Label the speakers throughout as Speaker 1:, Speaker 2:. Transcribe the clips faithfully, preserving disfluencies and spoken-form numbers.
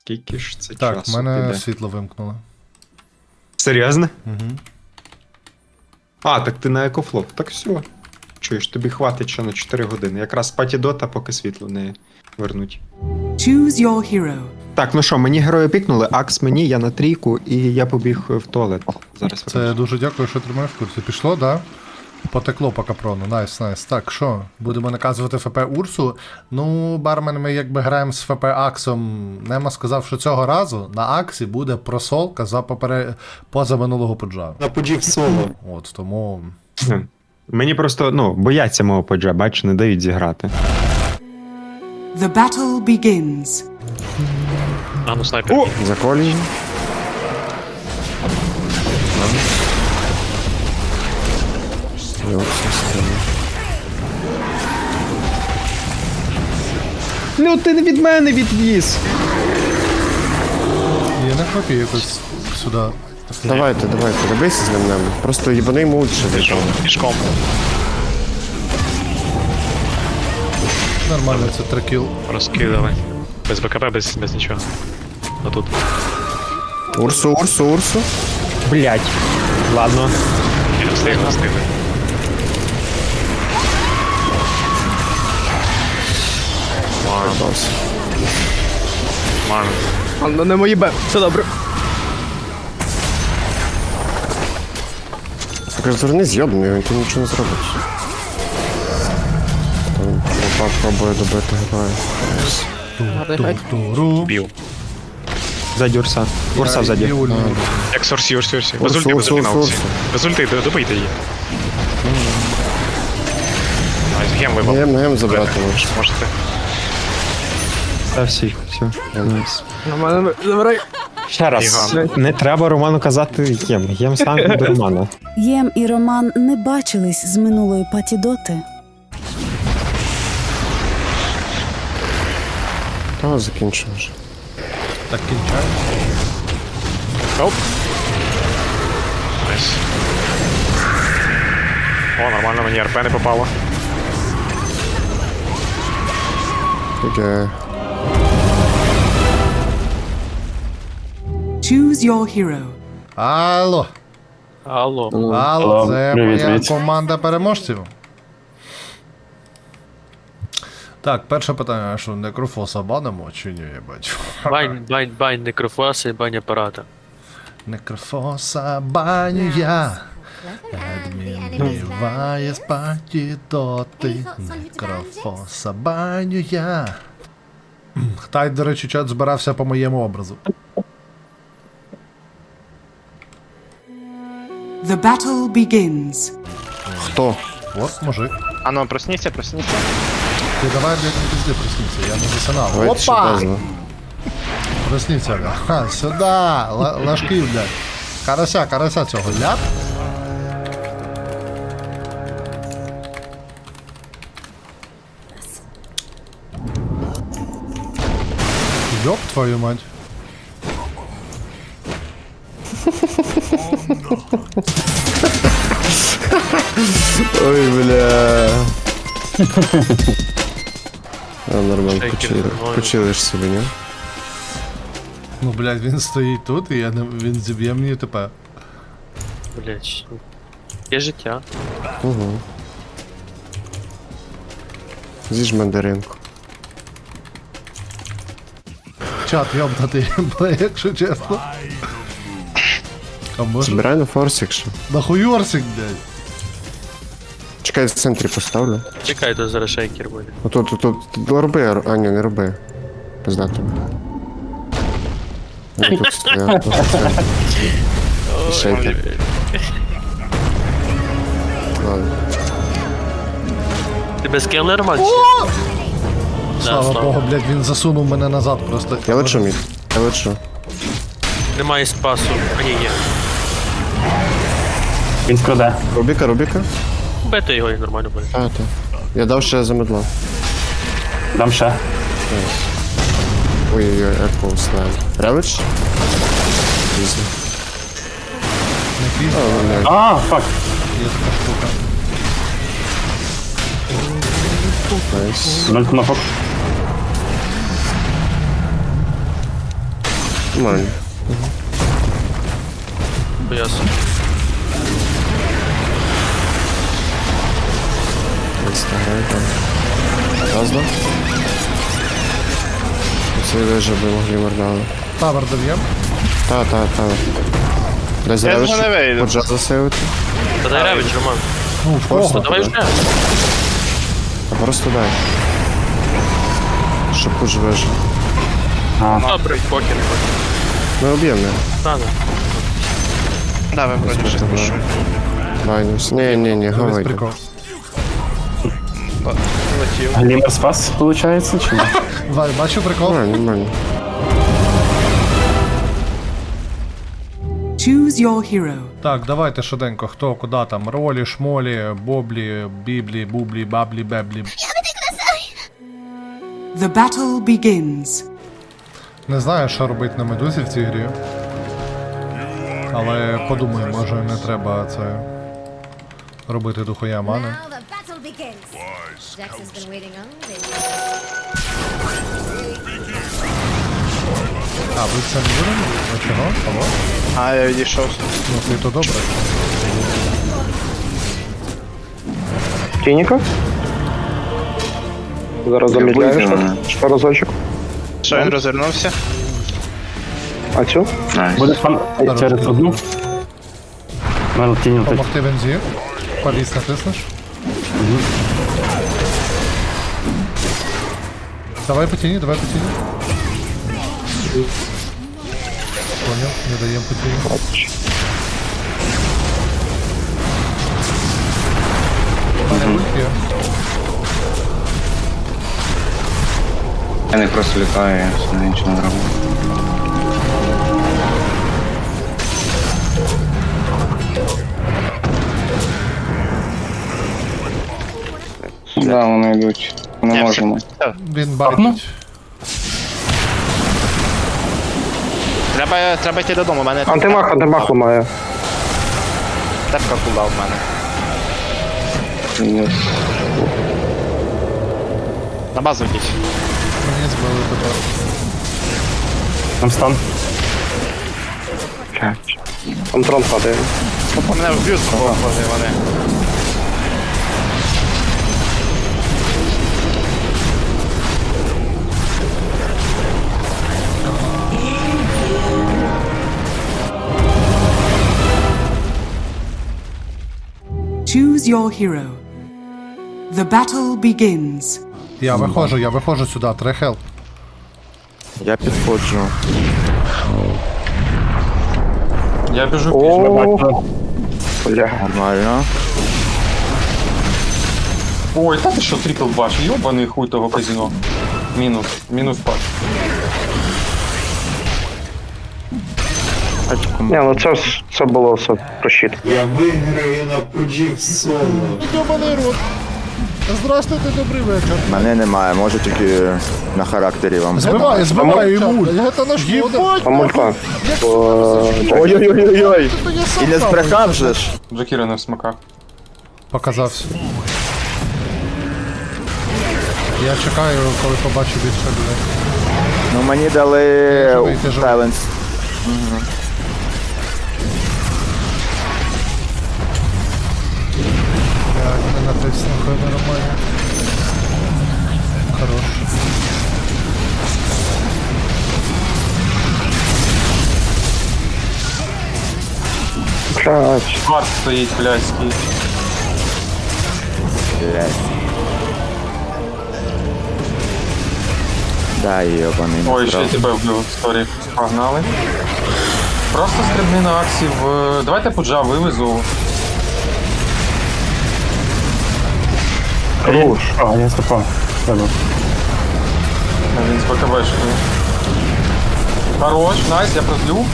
Speaker 1: Скільки ж це
Speaker 2: Так,
Speaker 1: часу
Speaker 2: в мене
Speaker 1: піде?
Speaker 2: світло вимкнуло.
Speaker 1: Серйозно?
Speaker 2: Угу.
Speaker 1: А, так ти на екофлоп. Так все. Чуєш, тобі хватить ще на чотири години. Якраз паті дота, поки світло не вернуть.
Speaker 3: Choose your hero.
Speaker 1: Так, ну що, мені герої пікнули, Акс мені, я на трійку, і я побіг в туалет. Зараз
Speaker 2: Це
Speaker 1: вернусь.
Speaker 2: дуже дякую, що тримаєш в курсі. Пішло, да? Потекло по капрону. Найс, найс. Так, що? Будемо наказувати ФП Урсу. Ну, бармен, ми якби граємо з ФП Аксом. Нема сказав, що цього разу на Аксі буде просолка за попере... поза минулого поджа.
Speaker 1: На поджі в соло.
Speaker 2: От, тому.
Speaker 1: Мені просто, ну, бояться мого поджа, бач, не дають зіграти.
Speaker 3: The battle begins.
Speaker 4: А, ну снайпер.
Speaker 1: О!
Speaker 5: Заколі.
Speaker 1: Ну ти не від мене відвіз!
Speaker 2: Я не хвапію якось сюди.
Speaker 5: Давайте, давайте, добийся з ним ним. Просто їбани йому лучше
Speaker 4: Пішов,
Speaker 5: зайшов.
Speaker 4: пішком.
Speaker 2: Нормально, це трекіл.
Speaker 4: Розкидали. Без БКБ, без, без нічого. Отут.
Speaker 5: Урсу, Урсу, Урсу.
Speaker 1: Блять. Ладно.
Speaker 4: Я не встиг, не встиг.
Speaker 5: Бос.
Speaker 4: Ман.
Speaker 6: Ну не мої б. Все добре.
Speaker 5: Так зверни з'єбаний, він тут нічого не зробить. Там Лопа пробує добити героя.
Speaker 2: Ту-ту-ру.
Speaker 4: Бів.
Speaker 1: Ззаді Урса. Урса
Speaker 2: І
Speaker 1: взаді.
Speaker 2: ульну.
Speaker 4: Як сорсі, урсі, урсі. Без
Speaker 5: Урсу,
Speaker 4: ульти, без
Speaker 5: урсу,
Speaker 4: ульти на
Speaker 5: урсу,
Speaker 4: урсі.
Speaker 5: урсу.
Speaker 4: Без ульти, д- добийте її. Найс, гем вибав.
Speaker 5: Гем, гем забрати можеш.
Speaker 4: Можете.
Speaker 1: Та всі, все. Найс.
Speaker 6: На мене забирай.
Speaker 1: Ще раз,
Speaker 4: Іган.
Speaker 1: не треба Роману казати Єм. Єм сам до Романа.
Speaker 7: Єм і Роман не бачились з минулої патідоти.
Speaker 5: Та закінчимо вже.
Speaker 2: Так кінчаю.
Speaker 4: Оп. Найс. О, нормально, мені РП не попало.
Speaker 5: Таке.
Speaker 3: Choose your hero.
Speaker 2: Алло.
Speaker 4: Алло.
Speaker 2: Алло, це моя команда переможців. Так, перше питання, що некрофоса банимо чи ні, я бачу.
Speaker 8: Бань, бань, бань, некрофоса і бань апарата.
Speaker 2: Некрофоса баню я. Адмін вбиває з паті доти. Некрофоса баню я. Хтай, до речі, чат збирався по моєму образу.
Speaker 3: The battle begins.
Speaker 5: Хто?
Speaker 2: От, мужик.
Speaker 4: А ну, проснися, проснися.
Speaker 2: Ти давай, блядь, не пизди, проснися, я не засинав.
Speaker 5: Давайте ще безно.
Speaker 2: Проснися, бля. Ха, сюда, Л- ложки, блядь. Карася, карася цього, ляп. Ёб твою мать.
Speaker 5: Ой, бля. А, нормально,
Speaker 8: Шейкер
Speaker 5: почили.
Speaker 8: нормально.
Speaker 5: Почилиш собі, ні?
Speaker 2: Ну, блядь, він стоїть тут, і я не, він зіб'є мені тепер.
Speaker 8: Блять. Є життя.
Speaker 5: Угу. З'їж мандаринку.
Speaker 2: Чат йобнутий, бля, якщо чесно. А може?
Speaker 5: Збирай на форс, якщо.
Speaker 2: Нахуйорсик, блядь.
Speaker 5: Чекай, в центрі поставлю.
Speaker 8: Чекай, то зараз шейкер буде.
Speaker 5: Отут, тут, тут, тут, роби, Ар- а ні, не роби. Пизда тобі. Ну, тут стояв, тут стояв. І шейкер. Ладно.
Speaker 8: Ти без скелли, Роман? чи ні? Да,
Speaker 2: Слава Богу, блядь, він засунув мене назад просто.
Speaker 5: Я лечу мід, я лечу.
Speaker 8: Немає спасу. А ні, є.
Speaker 9: Він скраде.
Speaker 5: Рубіка, Рубіка?
Speaker 8: Бити його і нормально буде.
Speaker 5: А, так. Я дав ще за медла.
Speaker 9: Дам ще.
Speaker 5: Ой-ой-ой, Apple Slime. Ревич? Пізно.
Speaker 2: Не
Speaker 5: А, ну, не.
Speaker 9: А, фак.
Speaker 2: Є така штука.
Speaker 5: Найс.
Speaker 9: Ноль кнопок.
Speaker 5: Нормально.
Speaker 8: Ясно.
Speaker 5: Інстаграм там. Разно? Це вижу би могли мордали.
Speaker 2: Тавер доб'єм.
Speaker 5: Та, та, та. Дай зарядиш, поджа засейвити.
Speaker 8: Та дай ревич, Роман.
Speaker 2: Ну, в
Speaker 5: Просто
Speaker 2: кого?
Speaker 8: Давай вже.
Speaker 5: А просто дай. Щоб пуш вижив.
Speaker 8: Добре, покер.
Speaker 5: Ми об'єм, не?
Speaker 8: Та, да.
Speaker 5: Да, ви вроді вже пушу. Майнус. Ні, ні, ні,
Speaker 2: Дивись
Speaker 5: гавай.
Speaker 2: прикол.
Speaker 9: Глімер спас, виходить, чи ні?
Speaker 2: Вай, бачив прикол?
Speaker 5: Нормально, нормально.
Speaker 3: Choose your hero.
Speaker 2: Так, давайте швиденько, хто куди там. Ролі, шмолі, боблі, біблі, бублі, баблі, беблі.
Speaker 3: The battle begins.
Speaker 2: Не знаю, що робити на медузі в цій грі. Але подумаю, може не треба це робити дохуя мани.
Speaker 10: Now the battle begins. Jax has been waiting all day.
Speaker 2: А, ви це не будемо? А чого? Алло?
Speaker 6: А, я відійшов.
Speaker 2: Ну ти то добре.
Speaker 6: Тініка? Зараз замідляєш що разочок. Що він розвернувся? А цю?
Speaker 9: Буде пан через одну. Мене тінь летить.
Speaker 2: Помогти бензі. Повіс натиснеш. Давай по тіні, давай по тіні. Понял, не даємо по тіні. Мене ульт є.
Speaker 11: Я не просто літаю, я все нічого не роблю. Да, вони йдуть. Не можемо.
Speaker 2: Він байтить.
Speaker 6: Треба, треба йти додому, у мене... Антимах, антимах ламає. Тепка кула в мене. На базу йдіть.
Speaker 2: Мені збили тепер.
Speaker 9: Там стан.
Speaker 6: Там трон падає. Опа, мене вб'ють, боже, вони.
Speaker 3: Choose your hero. The battle begins.
Speaker 2: Я виходжу, я виходжу сюди, треба хелп.
Speaker 5: Я підходжу.
Speaker 1: Я біжу
Speaker 6: О, бля.
Speaker 5: Нормально.
Speaker 1: Ой, та ти що, трипл баш, йобаний хуй того казино. Мінус, мінус пак.
Speaker 6: Ні, ну це, це було все прощит.
Speaker 2: Йобаний рот. Здравствуйте, добрий вечір.
Speaker 5: Мене немає, може тільки на характері вам.
Speaker 2: Збивай, збивай йому. Це наш єбать.
Speaker 6: А мулька?
Speaker 5: Ой-ой-ой-ой. І не збрехав же ж.
Speaker 1: Джакіра не в смаках.
Speaker 2: Показався. Я чекаю, коли побачу більше людей.
Speaker 5: Ну мені дали
Speaker 2: Живий, ти живий.
Speaker 5: Сайленс.
Speaker 2: Я не натиснув, хай нормально. Хорош.
Speaker 6: Блядь.
Speaker 1: Март стоїть, блядський.
Speaker 5: Блять. Да, йобаний.
Speaker 1: Ой, ще й тебе вбив в історії. Погнали. Просто стрибни на аксі в... Давайте пуджа вивезу.
Speaker 9: Хорош. А, я стопав. Треба.
Speaker 1: А він з БКБшкою. Хорош, найс, я прозлю.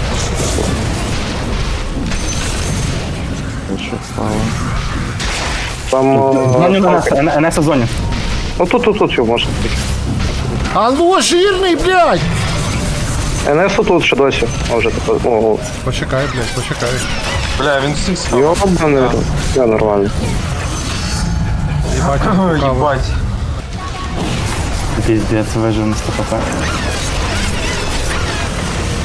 Speaker 5: Що стало?
Speaker 6: Там...
Speaker 9: Зоні на нас, НС в зоні.
Speaker 6: Ну тут, тут, тут його можна.
Speaker 2: Алло, жирний, блядь!
Speaker 6: НС тут ще досі. Може, тепер... О,
Speaker 2: Почекай, блядь, почекай.
Speaker 1: Бля, він всіх схав.
Speaker 6: йобаний рот. Я нормально.
Speaker 2: Їбать,
Speaker 1: Ой,
Speaker 2: каву.
Speaker 1: їбать.
Speaker 9: Піздець, вижив на сто хп.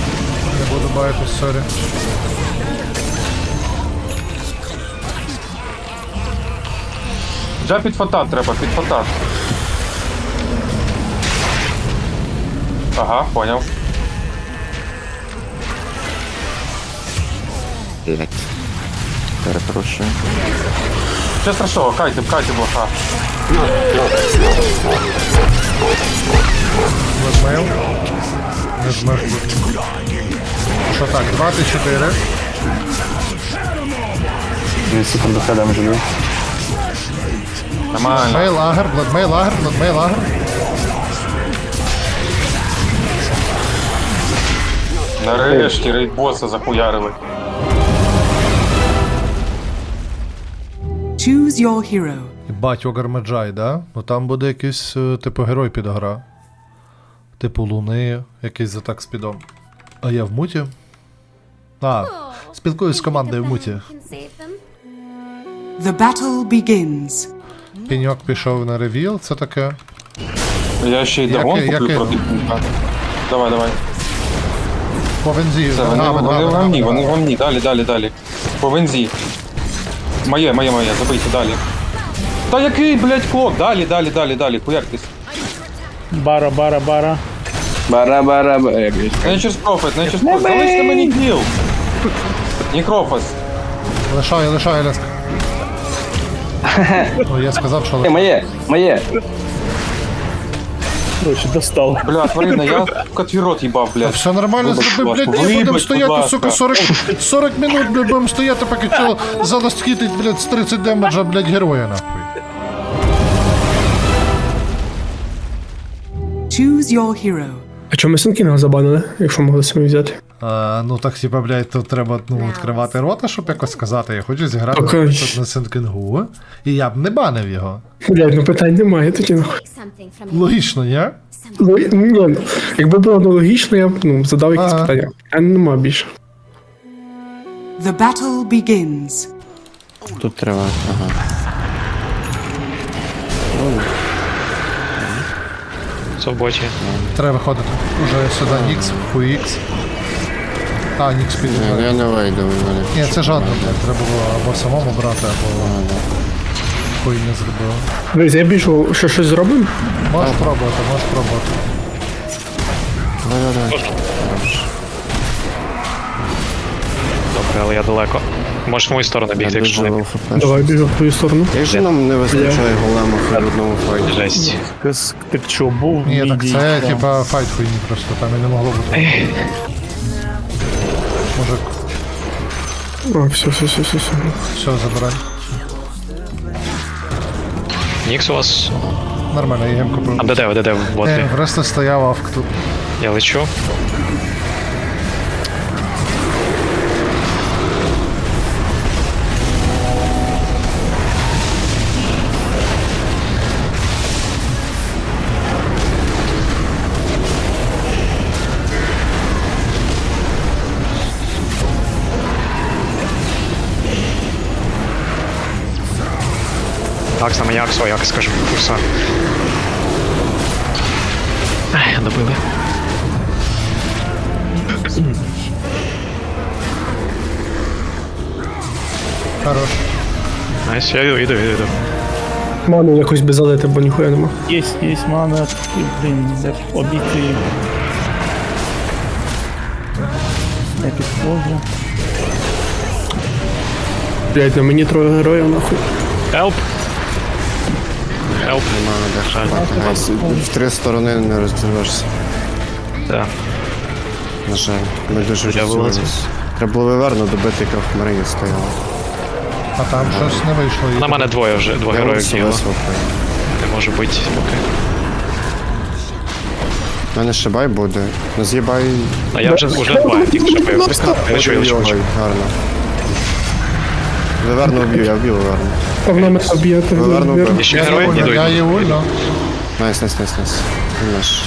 Speaker 2: не буду бачити, сорі.
Speaker 6: Вже під фота треба, під фота. Ага, поняв.
Speaker 5: Блять. Перепрошую.
Speaker 6: Що страшного, кайте, кайте блоха.
Speaker 2: Візьмив. Не змив. Що так, двадцять чотири.
Speaker 9: Дві секунди хедом живу.
Speaker 6: Нормально.
Speaker 2: Мей лагер, бладмей лагер, бладмей лагер.
Speaker 6: Нарешті рейд боса захуярили.
Speaker 3: Choose your hero.
Speaker 2: Бать, Огар Меджай, да? Ну там буде якийсь, е, типу, герой підгра. Типу Луни, якийсь за так спідом. А я в муті? А, спілкуюсь з командою в муті.
Speaker 10: Can save them.
Speaker 3: The battle begins.
Speaker 2: Піньок пішов на ревіл, це таке.
Speaker 6: Я ще й
Speaker 2: Як-
Speaker 6: дагон
Speaker 2: як-
Speaker 6: куплю проти пінка. Давай, давай.
Speaker 2: По вензі.
Speaker 6: Все, вони,
Speaker 2: Гавен,
Speaker 6: вони
Speaker 2: гавен,
Speaker 6: в гамні,
Speaker 2: гавен.
Speaker 6: вони в гамні. Далі, далі, далі. По вензі. Моє, моє, моє, забийте, далі. Та який, блядь, клоп? Далі, далі, далі, далі, хуяртесь.
Speaker 9: Бара, бара, бара.
Speaker 5: Бара-бара-бара.
Speaker 6: Nature's Prophet, Nature's Prophet, залиште мені кіл. Нікрофос.
Speaker 2: Лишаю, лишаю, Ляск. Ну, я сказав, що лишаю.
Speaker 5: Моє, моє.
Speaker 9: Короче, достал.
Speaker 6: Бля, тварина, я сука, твій рот їбав, блядь.
Speaker 2: Все нормально
Speaker 6: Вибач,
Speaker 2: зроби,
Speaker 6: будь
Speaker 2: блядь,
Speaker 6: ласка.
Speaker 2: не будемо
Speaker 6: Вибач,
Speaker 2: стояти,
Speaker 6: будь
Speaker 2: сука,
Speaker 6: ласка.
Speaker 2: сорок, сорок минут, блядь, будемо стояти, поки чел заласкітить, блядь, з тридцять демеджа, блядь, героя, нахуй.
Speaker 3: Choose your hero.
Speaker 9: А чому ми Сенкінга забанили, якщо могли самі взяти?
Speaker 2: А, ну так, типа, блядь, тут треба ну, відкривати рота, щоб якось сказати, я хочу зіграти
Speaker 9: Окей.
Speaker 2: тут на Сенкінгу, і я б не банив його.
Speaker 9: Блядь, ну питань немає, тоді нахуй.
Speaker 10: Something from you.
Speaker 2: Логічно, ні?
Speaker 9: Ну, ні, ну, якби було нелогічно, я б ну, задав якісь
Speaker 2: Ага.
Speaker 9: питання. А нема більше.
Speaker 3: The battle begins.
Speaker 5: Тут треба, ага.
Speaker 4: Це в боті.
Speaker 2: Треба виходити. Уже сюди Нікс, хуй Ікс. А, Нікс
Speaker 5: Ні, ну
Speaker 2: піде.
Speaker 5: я не вийду в мене.
Speaker 2: Ні, це жадно, блядь, треба було або самому брати, або хуй не зробив.
Speaker 9: Дивись, я біжу, що щось зробимо?
Speaker 2: Можеш пробувати, можеш пробувати.
Speaker 5: Давай, давай.
Speaker 4: Добре, але я далеко. Можеш в мою сторону
Speaker 5: Я
Speaker 4: бігти, якщо
Speaker 5: дуже
Speaker 4: не
Speaker 5: лоу хп.
Speaker 9: Давай біжу в твою сторону.
Speaker 5: Як же нам не вистачає голема в одному файті?
Speaker 4: жесть.
Speaker 9: Ти що, був?
Speaker 2: Ні, так це типа файт хуйні просто, там і не могло бути. Може,
Speaker 9: А, все, все, все, все, все.
Speaker 2: все, забирай.
Speaker 4: Нікс у вас.
Speaker 2: Нормально, я гемку
Speaker 4: А
Speaker 2: про.
Speaker 4: де де ви, де де в боті?
Speaker 2: Е, просто стояв авк тут.
Speaker 4: Я лечу. Акс на мені, Акс, ой, Акс, скажу, курса. Ай, добили.
Speaker 2: Хорош.
Speaker 4: Найс, я йду, йду, йду, йду.
Speaker 9: Ману якось би залити, бо ніхуя нема.
Speaker 12: Є, є мана, блін, де обійти. Не підходжу.
Speaker 9: Блядь, на мені троє героїв, нахуй.
Speaker 4: Help! Help!
Speaker 5: Нема де хапати. Гайс, в три сторони не роздивишся.
Speaker 4: Так.
Speaker 5: На жаль, ми дуже
Speaker 4: Я
Speaker 5: розсунулись.
Speaker 4: вилазив.
Speaker 5: Треба було виверно добити, яка в Марині стояла.
Speaker 2: А там щось не вийшло. і
Speaker 4: На мене двоє вже, двоє
Speaker 5: Я
Speaker 4: героїв
Speaker 5: все
Speaker 4: діло.
Speaker 5: висвопив.
Speaker 4: Не може бути поки.
Speaker 5: У мене ще бай буде. Ну з'їбай.
Speaker 4: А я вже, вже два, тільки що бив. Я лечу, я лечу, лечу.
Speaker 5: Гарно. Виверно вб'ю, я вб'ю виверно.
Speaker 9: А вона мене об'єти.
Speaker 5: Виверно вбив.
Speaker 4: І ще герой? Іду,
Speaker 2: Я
Speaker 4: йду.
Speaker 2: є ульно.
Speaker 5: Найс, найс, найс, найс. Він наш.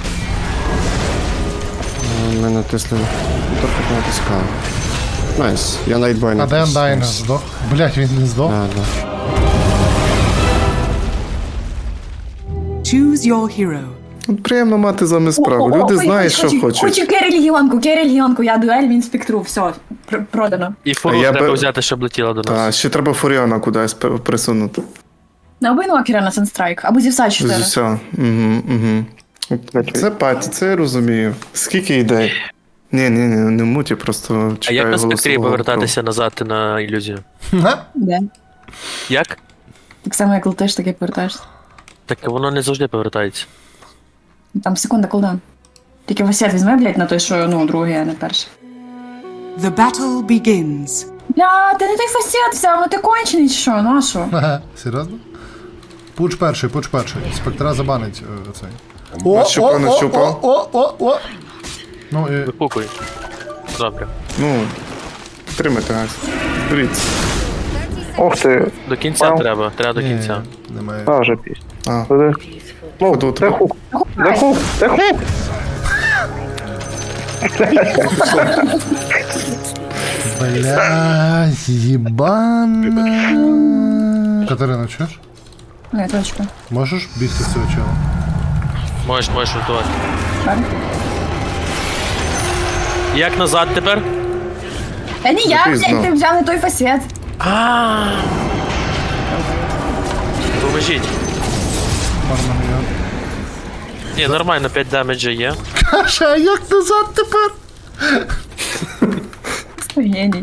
Speaker 5: Ну, Ми натисли. Трохи натискали. Найс. Я найтбой
Speaker 2: А
Speaker 5: натис.
Speaker 2: де Андайн
Speaker 5: Найс.
Speaker 2: здох? Блять, він не здох.
Speaker 5: Да, да.
Speaker 3: Choose your hero.
Speaker 5: От приємно мати з вами справу. Люди знають, що хочуть.
Speaker 12: Хочу Керрі Легіонку, Керрі Легіонку, я дуель, він спектру, все, пр- продано.
Speaker 8: І фуру
Speaker 5: А я
Speaker 8: треба
Speaker 5: би-
Speaker 8: взяти, щоб летіла до
Speaker 5: Та,
Speaker 8: нас.
Speaker 5: ще треба Фуріона кудись п- присунути.
Speaker 12: На обинокера на Санстрайк, або зівса
Speaker 5: З
Speaker 12: чотири.
Speaker 5: уся. Угу, угу. Це паті, це я розумію. Скільки ідей? Ні, ні, ні, не муті, просто
Speaker 8: А
Speaker 5: чекаю
Speaker 8: як на спектрі
Speaker 5: голосового
Speaker 8: повертатися назад на ілюзію?
Speaker 2: Га?
Speaker 12: Де?
Speaker 8: Як?
Speaker 12: Так само, як летиш, так і повертаєшся.
Speaker 8: Так воно не завжди повертається.
Speaker 12: Там секунда кулдаун. Тільки Васет візьме, блядь, на той, що, ну, другий, а не перший.
Speaker 3: The battle begins.
Speaker 12: Бля, ти не той фасет взяв, ну ти кончений чи що, ну а що?
Speaker 2: Ага, серйозно? Пуч перший, пуч перший. Спектра забанить е, цей.
Speaker 5: Нащупав, нащупав.
Speaker 2: о, о, о, о. Ну і
Speaker 8: Випукуй. Добре.
Speaker 5: Ну, тримайте газ. Беріть.
Speaker 9: Ох ти.
Speaker 8: До кінця треба, треба до
Speaker 2: ні,
Speaker 8: кінця.
Speaker 2: немає.
Speaker 9: А, вже пісня.
Speaker 5: А,
Speaker 9: Ну,
Speaker 5: тут.
Speaker 9: це хук. Це хук, це хук.
Speaker 2: Бля, їбана. Катерина, чуєш?
Speaker 12: Ну, я точка.
Speaker 2: Можеш бігти з цього чела?
Speaker 8: Можеш, можеш рятувати.
Speaker 12: Шарик.
Speaker 8: Як назад тепер?
Speaker 12: Та ні, я,
Speaker 5: Запізно.
Speaker 12: блядь, ти взяв не той фасет.
Speaker 8: Поможіть.
Speaker 2: Бармен, я.
Speaker 8: Ні, нормально, п'ять демеджа є.
Speaker 2: Каша, а як назад тепер?
Speaker 12: Геній.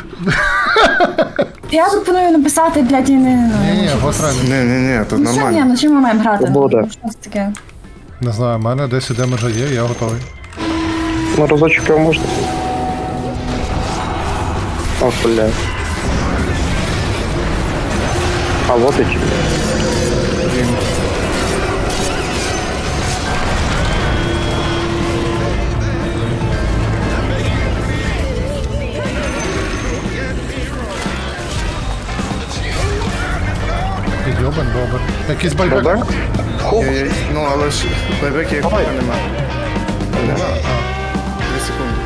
Speaker 12: Я пропоную написати, блядь, і не...
Speaker 2: Ні, ні, гостра.
Speaker 5: Ні, ні, ні, тут
Speaker 12: Ну що, ні,
Speaker 5: нормально.
Speaker 12: ну чим ми маємо грати?
Speaker 9: Свобода.
Speaker 12: Ну, що це таке?
Speaker 2: Не знаю, в мене десять демеджа є, я готовий.
Speaker 9: На разочок його можна. О, бля. А вот і чи.
Speaker 2: Підйобан, добре. Якийсь байбек?
Speaker 9: Байбек?
Speaker 5: Є, є, Ну, але ж байбек як немає. Нема. Дві секунди.